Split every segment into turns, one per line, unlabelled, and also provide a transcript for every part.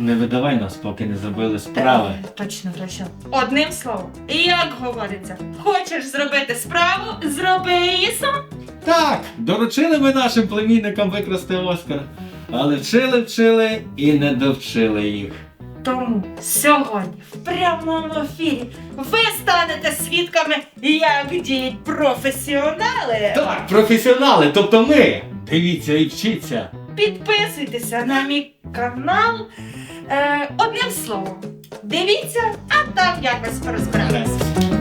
Не видавай нас, поки не зробили справи.
Точно, Гриша. Одним словом, як говориться, хочеш зробити справу, зроби її сам.
Так, доручили ми нашим племінникам викрасти Оскар. Але вчили і не довчили їх.
Тому сьогодні в прямому ефірі ви станете свідками, як діють професіонали.
Так, професіонали, тобто ми. Дивіться і вчіться.
Підписуйтеся на мій канал. Одним словом, дивіться, а там якось розберемося.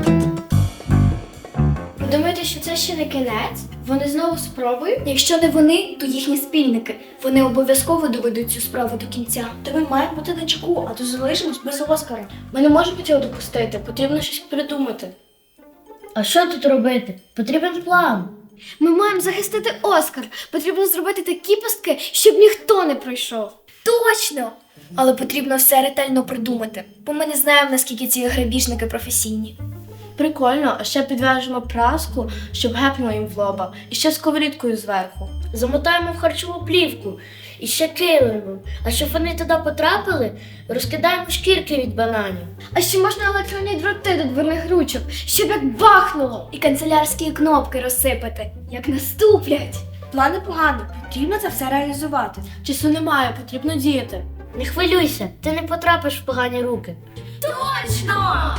Думаєте, що це ще не кінець? Вони знову спробують? Якщо не вони, то їхні спільники. Вони обов'язково доведуть цю справу до кінця.
Та ми маємо бути на чеку, а то залишимось без Оскара.
Ми не можемо цього допустити, потрібно щось придумати.
А що тут робити? Потрібен план.
Ми маємо захистити Оскар. Потрібно зробити такі пастки, щоб ніхто не пройшов. Точно! Але потрібно все ретельно придумати, бо ми не знаємо, наскільки ці грабіжники професійні.
Прикольно, а ще підв'яжемо праску, щоб гепнуло їм в лоба, і ще сковорідкою зверху. Замотаємо в харчову плівку, і ще килимом. А щоб вони туди потрапили, розкидаємо шкірки від бананів.
А ще можна електронні дроти до дверних ручок, щоб як бахнуло, і канцелярські кнопки розсипати, як наступлять.
План непоганий, потрібно це все реалізувати. Часу немає, потрібно діяти. Не хвилюйся, ти не потрапиш в погані руки.
Точно!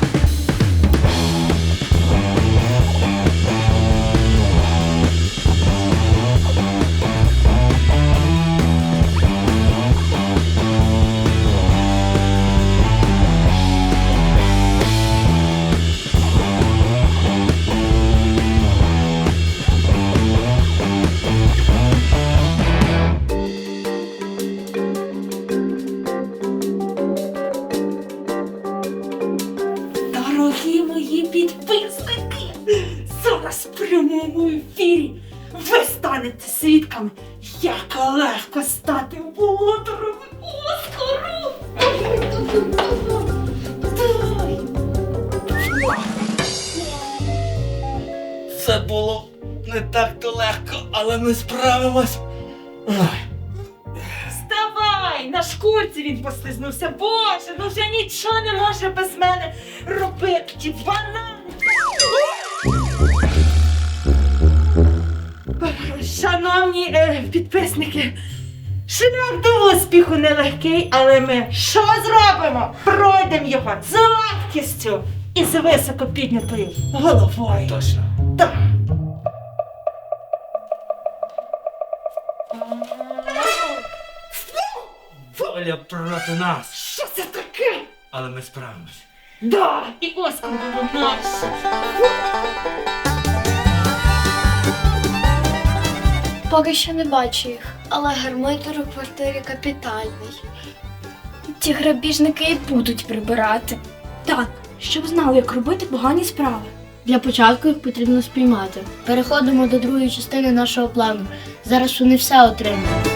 Дорогі мої підписники, зараз в прямому ефірі ви станете свідками, як легко стати володарем Оскару.
Це було не так-то легко, але ми справимось.
Вставай! На шкурці він послизнувся. Боже, ну вже нічого не може без мене робити. Ті банани. Шановні підписники, шлях до успіху нелегкий, але ми що зробимо? Пройдемо його з легкістю і з високо піднятою головою.
Точно.
Так.
Доля проти нас.
Що це таке?
Але ми справимось.
Да, і Оскар буде наш.
Поки що не бачу їх, але гармидер у квартирі капітальний. Ті грабіжники і будуть прибирати.
Так, щоб знали, як робити погані справи. Для початку їх потрібно спіймати. Переходимо до другої частини нашого плану. Зараз вони все отримають.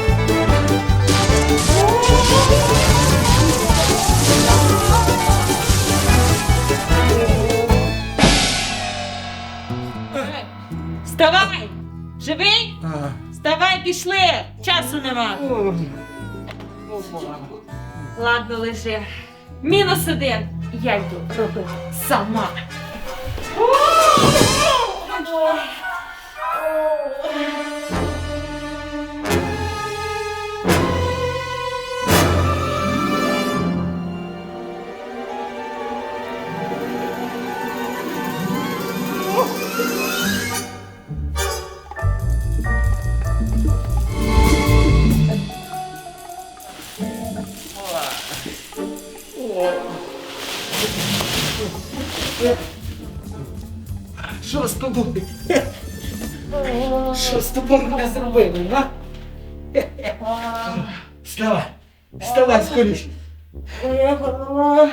Вставай! Живий? Вставай, пішли! Часу нема. Ладно, лежи. -1. Я йду робити сама.
Що з тобою? Що з тобою не зробили, а? Вставай! Вставай скоріше!
Моя голова.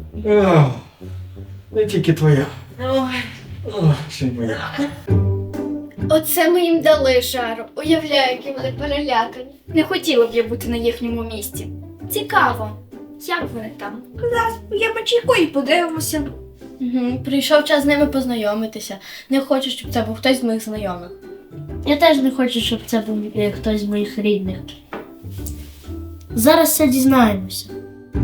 Не тільки твоя.
Ой.
Ще й моя.
Оце ми їм дали жару. Уявляю, які вони перелякані. Не хотіла б я бути на їхньому місці. Цікаво, як вони там?
Я почекаю і подивимося.
Прийшов час з ними познайомитися. Не хочу, щоб це був хтось з моїх знайомих.
Я теж не хочу, щоб це був хтось з моїх рідних. Зараз все дізнаємося.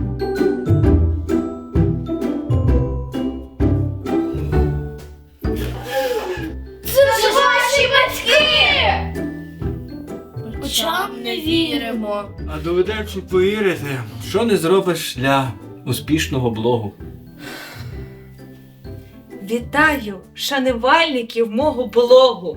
очам не віримо.
А доведеться повірити, що не зробиш для успішного блогу.
Вітаю шанувальників мого блогу.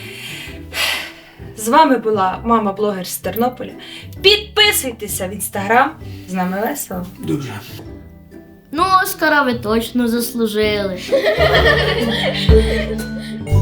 З вами була мама-блогер з Тернополя. Підписуйтеся в інстаграм. З нами весело.
Дуже.
Ну, Оскара ви точно заслужили.